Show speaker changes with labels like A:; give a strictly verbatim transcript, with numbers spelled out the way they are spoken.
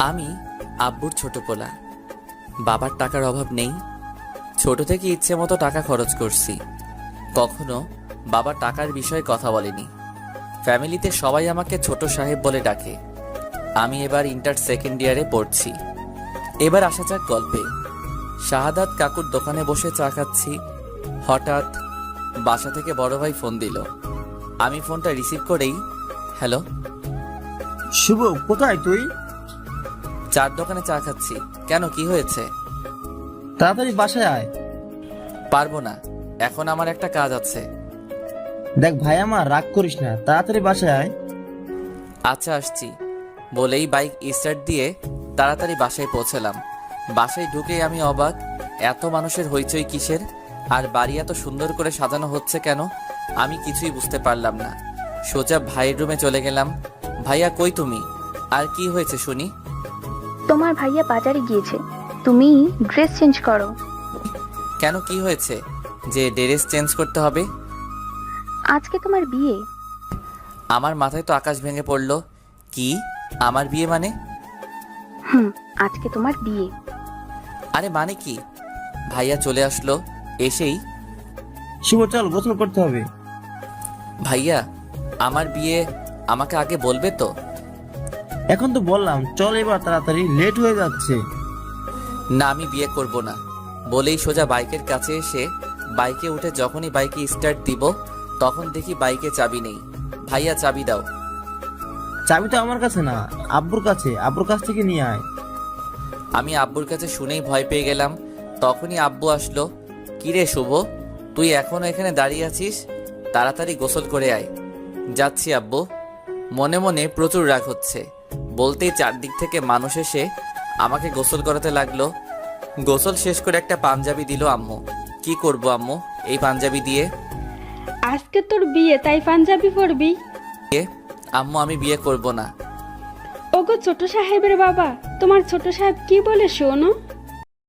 A: আমি আব্বুর ছোট পোলা। বাবার টাকার অভাব নেই। ছোট থেকে ইচ্ছে মতো টাকা খরচ করছি। কখনো বাবা টাকার বিষয়ে কথা বলেনি। ফ্যামিলিতে সবাই আমাকে ছোট সাহেব বলে ডাকে। আমি এবার ইন্টার সেকেন্ড ইয়ারে পড়ছি। এবার আসা যাক গল্পে। শাহাদাত কাকুর দোকানে বসে চা খাচ্ছি। হঠাৎ বাসা থেকে বড় ভাই ফোন দিল। আমি ফোনটা রিসিভ করেই, হ্যালো।
B: শুভ, কোথায় তুই?
A: চার দোকানে চা খাচ্ছি। কেন, কি হয়েছে?
B: তাড়াতাড়ি বাসায় আয়।
A: পারবো না, এখন আমার একটা কাজ আছে।
B: দেখ ভাই, আমার রাগ করিস না, তাড়াতাড়ি বাসায় আয়।
A: আচ্ছা, আসছি বলেই বাইক স্টার্ট দিয়ে তাড়াতাড়ি বাসায় পৌঁছলাম। বাসায় ঢুকেই আমি অবাক, এত মানুষের হইচই কিসের? আর বাড়ি এত সুন্দর করে সাজানো হচ্ছে কেন? আমি কিছুই বুঝতে পারলাম না। সোজা ভাইয়ের রুমে চলে গেলাম। ভাইয়া, কই তুমি? আর কি হয়েছে শুনি?
C: তোমার ভাইয়া বাজারে গিয়েছে, তুমি ড্রেস চেঞ্জ করো।
A: কেন, কি হয়েছে যে ড্রেস চেঞ্জ করতে হবে?
C: আজকে তোমার বিয়ে।
A: আমার মাথায় তো আকাশ ভেঙে পড়লো। কি, আমার বিয়ে মানে?
C: হুম, আজকে তোমার বিয়ে।
A: আরে মানে কি? ভাইয়া চলে আসলো। এসেই,
B: শুভ চল, গোসল করতে হবে।
A: ভাইয়া আমার বিয়ে, আমাকে আগে বলবে তো?
B: এখন তো বললাম, চল এবার তাড়াতাড়ি, লেট হয়ে যাচ্ছে।
A: না, আমি বিয়ে করব না বলেই সোজা বাইকের কাছে এসে বাইকে উঠে যখনই বাইকে স্টার্ট দিব তখন দেখি বাইকে চাবি নেই। ভাইয়া, চাবি দাও।
B: চাবি তো আমার কাছে না, আব্বুর কাছে, আব্বুর কাছ থেকে নিয়ে আয়।
A: আমি আব্বুর কাছে শুনেই ভয় পেয়ে গেলাম। তখনই আব্বু আসলো। কিরে শুভ, তুই এখনো এখানে দাঁড়িয়ে আছিস? তাড়াতাড়ি গোসল করে আয়। যাচ্ছি আব্বু। মনে মনে প্রচুর রাগ হচ্ছে। বলতেই চারদিক থেকে মানুষ এসে আমাকে গোসল করাতে লাগলো। গোসল শেষ করে একটা পাঞ্জাবি দিল আম্মু। কি করব আম্মু এই পাঞ্জাবি দিয়ে?
D: আজকে তোর বিয়ে, তাই পাঞ্জাবি পরবি?
A: আম্মু, আমি বিয়ে করব না।
D: ওগো ছোট সাহেবের বাবা, তোমার ছোট সাহেব কি বলে শোনো?